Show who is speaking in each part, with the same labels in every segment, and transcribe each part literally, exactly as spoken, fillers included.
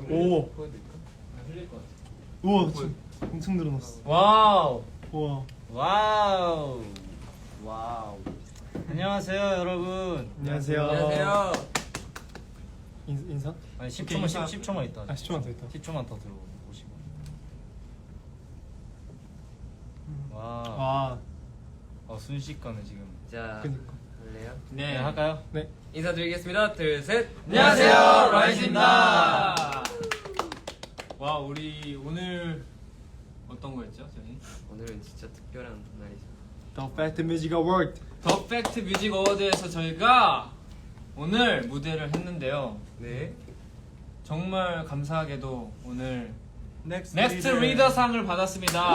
Speaker 1: 오.
Speaker 2: 보여드릴까? 흘릴 것 같아.
Speaker 1: 우와, 엄청 늘어났어.
Speaker 3: 와우.
Speaker 1: 우와.
Speaker 3: 와우. 와우. 안녕하세요, 여러분.
Speaker 1: 안녕하세요.
Speaker 2: 안녕하세요.
Speaker 1: 인, 인사?
Speaker 3: 아니 십
Speaker 2: 오케이,
Speaker 3: 초만
Speaker 2: 인사.
Speaker 3: 십 초만 있다.
Speaker 1: 아, 십 초만 더 있다.
Speaker 3: 십 초만 더 들어오시고. 와.
Speaker 1: 와,
Speaker 3: 어, 순식간에 지금.
Speaker 2: 자,
Speaker 1: 그니까.
Speaker 2: 할래요?
Speaker 3: 네, 할까요?
Speaker 1: 네.
Speaker 2: 인사드리겠습니다. 둘, 셋.
Speaker 3: 안녕하세요, 라이즈입니다.
Speaker 2: 와, 우리 오늘 어떤 거였죠, 저희?
Speaker 4: 오늘은 진짜 특별한 날이죠.
Speaker 1: The Fact Music Award.
Speaker 2: 더 팩트 뮤직 어워드에서 저희가 오늘 무대를 했는데요.
Speaker 4: 네.
Speaker 2: 정말 감사하게도 오늘
Speaker 1: Next,
Speaker 2: 넥스트
Speaker 1: Leader.
Speaker 2: 리더상을 받았습니다.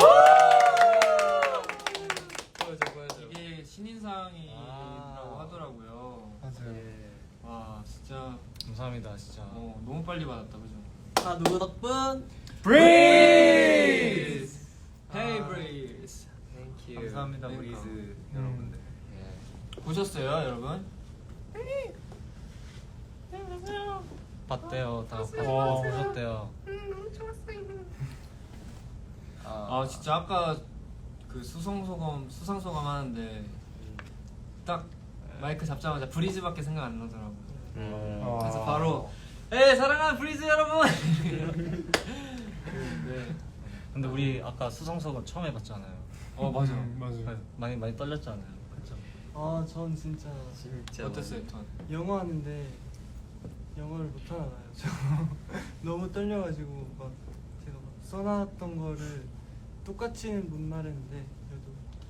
Speaker 4: 보여줘, 보여줘.
Speaker 2: 이게 신인상이라고
Speaker 3: 아.
Speaker 2: 하더라고요.
Speaker 1: 맞아요.
Speaker 4: 예.
Speaker 2: 와, 진짜
Speaker 3: 감사합니다, 진짜.
Speaker 2: 어, 너무 빨리 받았다, 그죠?
Speaker 5: 다 누구 덕분?
Speaker 2: 브리즈! 헤이
Speaker 4: 아.
Speaker 2: 브리즈!
Speaker 4: Thank you.
Speaker 6: 감사합니다,
Speaker 2: 그러니까.
Speaker 6: 브리즈
Speaker 1: 음.
Speaker 6: 여러분들.
Speaker 4: 예.
Speaker 2: 보셨어요, 여러분?
Speaker 3: 봤대요, 다
Speaker 1: 와.
Speaker 3: 보셨대요.
Speaker 2: 아, 진짜 아까 그 수상소감 수상소감 하는데
Speaker 4: 음.
Speaker 2: 딱 마이크 잡자마자 브리즈밖에 생각 안 나더라고요.
Speaker 4: 음.
Speaker 1: 아.
Speaker 2: 그래서 바로 에 사랑하는 브리즈 여러분. 네.
Speaker 3: 근데 우리 아까 수성석은 처음 해봤잖아요.
Speaker 2: 어 맞아.
Speaker 1: 음, 맞아요.
Speaker 3: 많이 많이 떨렸잖아요. 그렇죠.
Speaker 5: 아, 전 진짜
Speaker 4: 진짜
Speaker 2: 어땠어요, 턴?
Speaker 5: 영어 하는데 영어를 못 하나 봐요. 저 너무 떨려가지고 막 제가 막 써놨던 거를 똑같이는 못 말했는데 그래도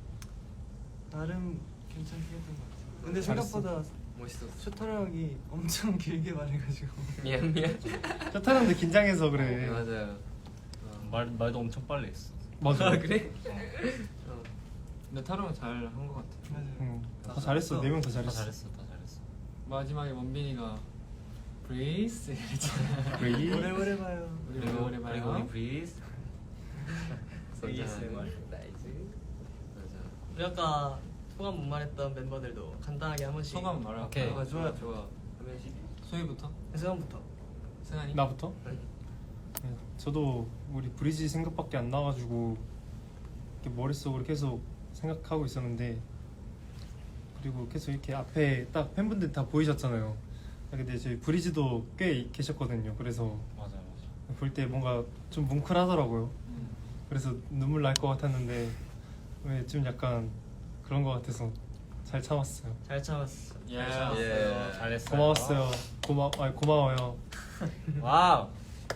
Speaker 5: 나름 괜찮게 했던 것 같아요. 근데
Speaker 1: 잘했어.
Speaker 5: 생각보다
Speaker 4: 멋있었어.
Speaker 5: 쇼타로 형이 엄청 길게 말해가지고
Speaker 4: 미안 미안.
Speaker 1: 저 타는데 긴장해서 그래.
Speaker 4: 네, 맞아요.
Speaker 3: 말 말도 엄청 빨리 했어.
Speaker 1: 맞아.
Speaker 4: 아 그래?
Speaker 2: 어. 근데 타로는 잘 한 것 같아.
Speaker 5: 맞아요.
Speaker 1: 응. 다 잘했어. 네 명 다
Speaker 3: 다
Speaker 1: 잘했어.
Speaker 3: 잘했어, 다 잘했어.
Speaker 2: 마지막에 원빈이가 브리즈 이랬잖아.
Speaker 1: 브리.
Speaker 5: 오래오래 봐요.
Speaker 2: 우리
Speaker 3: 그리고
Speaker 2: 오래 봐요.
Speaker 3: 그리고 우리 브리즈.
Speaker 4: 에이에스엠알.
Speaker 3: 에이에스엠알.
Speaker 4: 나이스. 맞아.
Speaker 5: 우리 아까 소감 못 말했던 멤버들도 간단하게 한 번씩.
Speaker 2: 소감 말할까?
Speaker 3: 오케이.
Speaker 2: 아, 좋아 좋아.
Speaker 4: 한 명씩.
Speaker 2: 소희부터?
Speaker 5: 소감부터.
Speaker 2: 승환이?
Speaker 1: 나부터?
Speaker 4: 네.
Speaker 1: 네, 저도 우리 브리지 생각밖에 안 나가지고 이렇게 머릿속으로 계속 생각하고 있었는데 그리고 계속 이렇게 앞에 딱 팬분들 다 보이셨잖아요. 아, 근데 저희 브리지도 꽤 계셨거든요. 그래서
Speaker 3: 맞아요, 맞아요.
Speaker 1: 볼 때 뭔가 좀 뭉클하더라고요.
Speaker 2: 음.
Speaker 1: 그래서 눈물 날 것 같았는데 왜 좀 약간 그런 것 같아서 잘 참았어요.
Speaker 5: 잘 참았어.
Speaker 2: 예.
Speaker 4: 예.
Speaker 3: 잘했어요.
Speaker 1: 고마웠어요. 고마, 아니, 고마워요.
Speaker 3: 와우.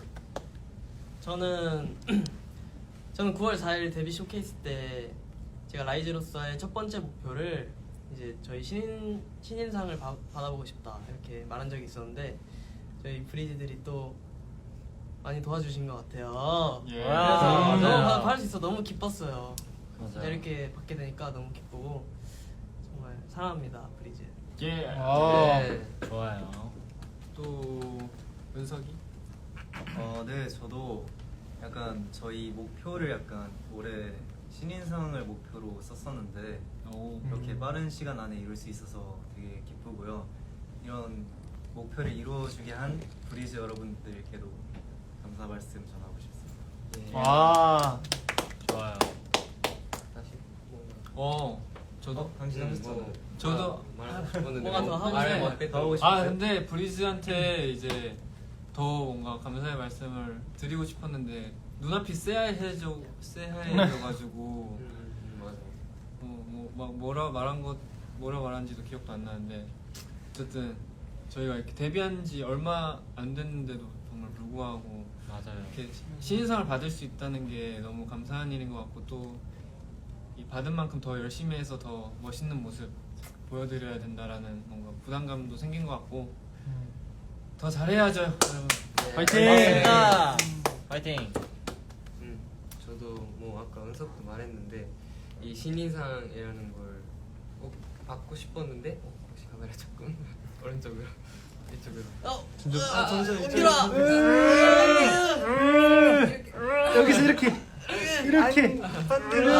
Speaker 5: 저는 저는 구월 사일 데뷔 쇼케이스 때 제가 라이즈로서의 첫 번째 목표를 이제 저희 신인 신인상을 바, 받아보고 싶다 이렇게 말한 적이 있었는데 저희 브리즈들이 또 많이 도와주신 것 같아요.
Speaker 2: 예.
Speaker 5: 그래서
Speaker 3: 맞아요.
Speaker 5: 너무 받- 받을 수 있어 너무 기뻤어요.
Speaker 3: 맞아요.
Speaker 5: 이렇게 받게 되니까 너무 기쁘고 정말 사랑합니다 브리즈.
Speaker 2: 예.
Speaker 1: 아.
Speaker 4: 네.
Speaker 3: 좋아요.
Speaker 2: 또 은석이?
Speaker 6: 어, 네, 저도 약간 저희 목표를 약간 올해 신인상을 목표로 썼었는데
Speaker 2: 오.
Speaker 6: 이렇게
Speaker 1: 음.
Speaker 6: 빠른 시간 안에 이룰 수 있어서 되게 기쁘고요. 이런 목표를 이루어주게 한 브리즈 여러분들께도 감사 말씀 전하고 싶습니다.
Speaker 4: 예.
Speaker 1: 와.
Speaker 3: 좋아요.
Speaker 4: 다시. 뭔가.
Speaker 2: 어. 저도?
Speaker 6: 당신
Speaker 4: 음,
Speaker 6: 하셨잖아요.
Speaker 4: 뭐,
Speaker 2: 저도
Speaker 4: 아, 말하고 싶었는데
Speaker 5: 뭐가 더 하고
Speaker 4: 말을
Speaker 5: 싶어요?
Speaker 4: 못했던
Speaker 6: 더 하고
Speaker 4: 거.
Speaker 6: 싶어요.
Speaker 2: 아 근데 브리즈한테 이제 더 뭔가 감사의 말씀을 드리고 싶었는데 눈앞이 새하얘져 새하얘져가지고
Speaker 4: 음, 음, 맞아.
Speaker 2: 뭐막 뭐라 말한 것 뭐라 말한지도 기억도 안 나는데 어쨌든 저희가 이렇게 데뷔한 지 얼마 안 됐는데도 정말 불구하고
Speaker 3: 맞아요.
Speaker 2: 이렇게 신인상을 받을 수 있다는 게 너무 감사한 일인 것 같고 또 이 받은 만큼 더 열심히 해서 더 멋있는 모습 보여드려야 된다라는 뭔가 부담감도 생긴 것 같고 더 잘해야죠 여러분.
Speaker 4: 네.
Speaker 1: 파이팅!
Speaker 3: 고맙습니다. 파이팅.
Speaker 4: 음, 저도 뭐 아까 은석도 말했는데 이 신인상이라는 걸 꼭 받고 싶었는데 어, 혹시 카메라 조금 오른쪽으로 이쪽으로.
Speaker 5: 어,
Speaker 1: 진짜
Speaker 5: 아, 잠시만 은필아.
Speaker 1: 여기서 이렇게 이렇게
Speaker 5: 반대로.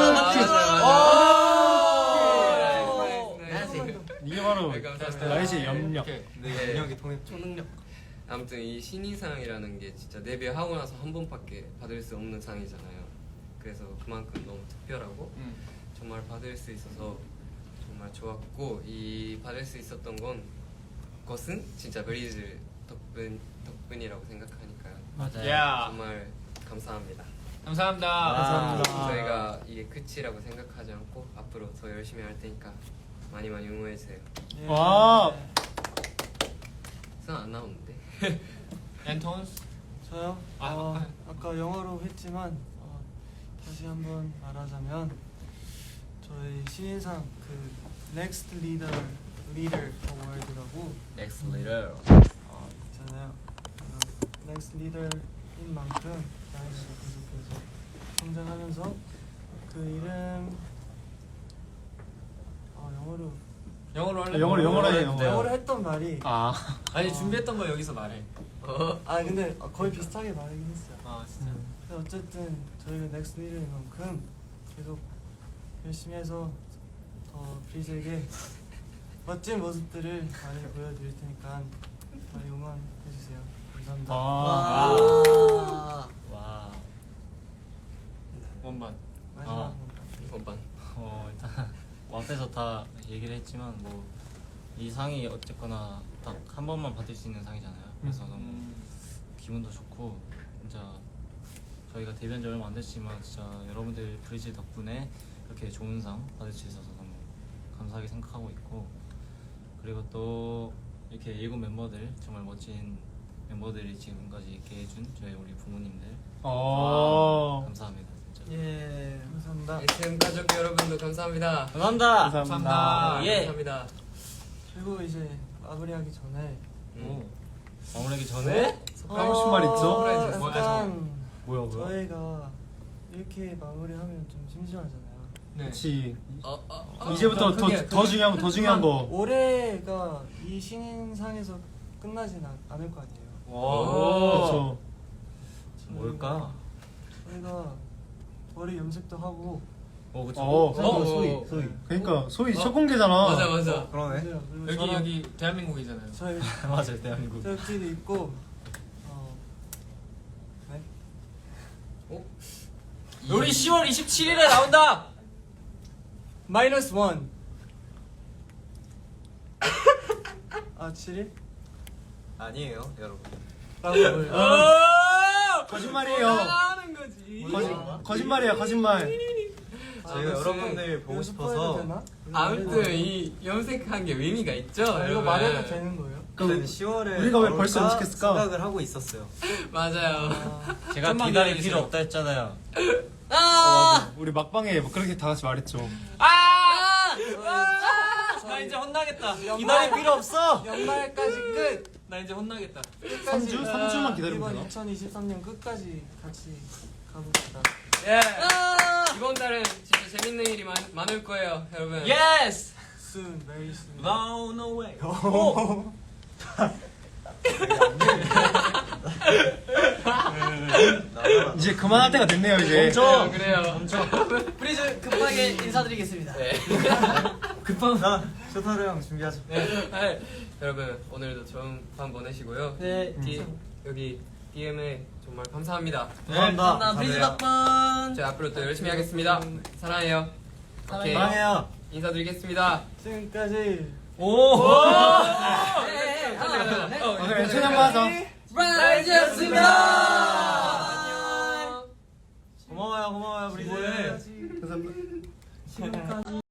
Speaker 1: 이게 바로
Speaker 4: 네, 감사합니다.
Speaker 1: 라이즈의 염력.
Speaker 2: 이렇게.
Speaker 6: 네, 영역이 통했죠.
Speaker 5: 초능력.
Speaker 4: 아무튼 이 신인상이라는 게 진짜 데뷔하고 나서 한 번밖에 받을 수 없는 상이잖아요. 그래서 그만큼 너무 특별하고
Speaker 2: 음.
Speaker 4: 정말 받을 수 있어서 정말 좋았고, 이 받을 수 있었던 건 것은 진짜 브리즈 덕분 덕분이라고 생각하니까요.
Speaker 3: 맞아요.
Speaker 2: 야.
Speaker 4: 정말 감사합니다.
Speaker 2: 감사합니다.
Speaker 3: 감사합니다.
Speaker 4: 저희가 이게 끝이라고 생각하지 않고 앞으로 더 열심히 할 테니까 많이 많이 응원해 주세요.
Speaker 5: 예.
Speaker 1: 와.
Speaker 4: 선 안 나오는데.
Speaker 2: 앤톤스.
Speaker 5: 저요?
Speaker 2: 아,
Speaker 5: 어,
Speaker 2: 아.
Speaker 5: 아까 영어로 했지만 어, 다시 한번 말하자면 저희 신인상 그 Next Leader Leader Award라고
Speaker 3: Next leader.
Speaker 5: 어, 있잖아요. 어, Next Leader인 만큼 나이가 계속해서 성장하면서 그 이름 어, 영어로
Speaker 2: 영어로 할래?
Speaker 1: 아, 영어로, 영어로 해요, 영어로.
Speaker 5: 영어로 했던 말이
Speaker 1: 아.
Speaker 2: 아니 준비했던 거 여기서 말해.
Speaker 5: 어, 아 근데 거의 비슷하게 말하긴 했어요.
Speaker 2: 아 진짜.
Speaker 5: 근데 어쨌든 저희가 넥스트 리더인 만큼 계속 열심히 해서 더 브리즈에게 멋진 모습들을 많이 보여드릴 테니까 많이 응원해주세요. 감사합니다.
Speaker 1: 아.
Speaker 3: 와. 와.
Speaker 2: 원반.
Speaker 5: 마지막
Speaker 3: 아.
Speaker 4: 원반.
Speaker 3: 어 일단 뭐 앞에서 다 얘기를 했지만 뭐 이 상이 어쨌거나 딱 한 번만 받을 수 있는 상이잖아요. 그래서 너무
Speaker 2: 음.
Speaker 3: 기분도 좋고 진짜 저희가 데뷔한 지 얼마 안 됐지만 진짜 여러분들 브리즈 덕분에 이렇게 좋은 상 받을 수 있어서 너무 감사하게 생각하고 있고, 그리고 또 이렇게 일곱 멤버들 정말 멋진 멤버들이 지금까지 있게 해준 저희 우리 부모님들
Speaker 1: 어.
Speaker 3: 아, 감사합니다 진짜.
Speaker 5: 예, 감사합니다.
Speaker 4: 에스엠 가족 여러분도 감사합니다.
Speaker 3: 감사합니다.
Speaker 1: 감사합니다.
Speaker 3: 예.
Speaker 4: 감사합니다.
Speaker 5: 그리고 이제 마무리하기 전에
Speaker 3: 오. 마무리하기 전에
Speaker 1: 하고 싶은 말 있죠?
Speaker 5: 어,
Speaker 2: 뭐야,
Speaker 5: 약간
Speaker 3: 뭐야 뭐야?
Speaker 5: 저희가 이렇게 마무리하면 좀 심심하잖아요.
Speaker 2: 네.
Speaker 1: 그렇지.
Speaker 4: 어, 어, 어.
Speaker 1: 이제부터 더,
Speaker 2: 크게,
Speaker 1: 더 중요한 거, 더 중요한 거.
Speaker 5: 올해가 이 신인상에서 끝나진 않, 않을 거 아니에요.
Speaker 2: 오.
Speaker 1: 그렇죠.
Speaker 3: 뭘까?
Speaker 5: 저희가 머리 염색도 하고
Speaker 3: 어 그쵸.
Speaker 1: 어.
Speaker 2: 어,
Speaker 3: 소희
Speaker 2: 소희.
Speaker 1: 그러니까 소희
Speaker 4: 어.
Speaker 1: 첫 공개잖아.
Speaker 4: 맞아 맞아.
Speaker 6: 그러네.
Speaker 5: 맞아요. 그리고
Speaker 2: 여기
Speaker 5: 저랑
Speaker 2: 여기 대한민국이잖아요.
Speaker 5: 저희
Speaker 3: 맞아요 대한민국.
Speaker 5: 저희끼리 있고 어, 네?
Speaker 4: 어?
Speaker 3: 우리 시월 이십칠일에 나온다.
Speaker 5: 마이너스 원. 아 칠 일?
Speaker 6: 아니에요, 여러분.
Speaker 5: 라고 뭘?
Speaker 1: 어. 거짓말이에요.
Speaker 2: 하는 거지.
Speaker 1: 거짓, 거짓말이야, 거짓말.
Speaker 6: 저희가 여러분들 보고 싶어서
Speaker 5: 되나?
Speaker 4: 아무튼 이 염색한 게 의미가 있죠.
Speaker 5: 아, 이거
Speaker 4: 여러분.
Speaker 5: 말해도 되는 거예요?
Speaker 6: 일단 시월에
Speaker 1: 우리가 왜 벌써 염색했을까?
Speaker 6: 생각을 하고 있었어요.
Speaker 4: 맞아요.
Speaker 5: 아,
Speaker 3: 제가
Speaker 2: 좀만
Speaker 3: 기다릴
Speaker 2: 기다리세요.
Speaker 3: 필요 없다 했잖아요.
Speaker 1: 맞아. 우리 막방에 뭐 그렇게 다 같이 말했죠.
Speaker 2: 아!
Speaker 5: 저희-
Speaker 2: 나 이제 혼나겠다.
Speaker 3: 기다릴 필요 없어.
Speaker 5: 연말까지 끝.
Speaker 2: 나 이제 혼나겠다.
Speaker 1: 삼 주? 삼 주만 기다리면
Speaker 5: 이번
Speaker 1: 되나?
Speaker 5: 이천이십삼 년 끝까지 같이 가봅시다.
Speaker 2: 예.
Speaker 4: 이번 달은 진짜 재밌는 일이 많, 많을 거예요, 여러분.
Speaker 2: 예스.
Speaker 5: Soon, very soon.
Speaker 2: Run away.
Speaker 1: 이제 그만할 때가 됐네요, 이제.
Speaker 3: 멈춰.
Speaker 4: 그래요.
Speaker 5: 브리즈 급하게 인사드리겠습니다.
Speaker 4: 네.
Speaker 6: 급한 나 쇼타로 형 준비하자.
Speaker 4: 네. 여러분 오늘도 좋은 밤 보내시고요.
Speaker 5: 네.
Speaker 4: 디, 여기 디엠에 정말 감사합니다.
Speaker 5: 감사합니다. 브리즈 덕분.
Speaker 4: 저희 앞으로 또 열심히 하겠습니다. 사랑해요. 오케이.
Speaker 3: 사랑해요.
Speaker 4: 인사드리겠습니다.
Speaker 5: 지금까지
Speaker 3: 오.
Speaker 5: 네, 하나, 둘, 셋.
Speaker 1: 오늘 왼손 한번 하자.
Speaker 5: 브라이즈였습니다.
Speaker 4: 안녕.
Speaker 3: 고마워요 고마워요 브리즈.
Speaker 1: 감사합니다.
Speaker 5: 지금까지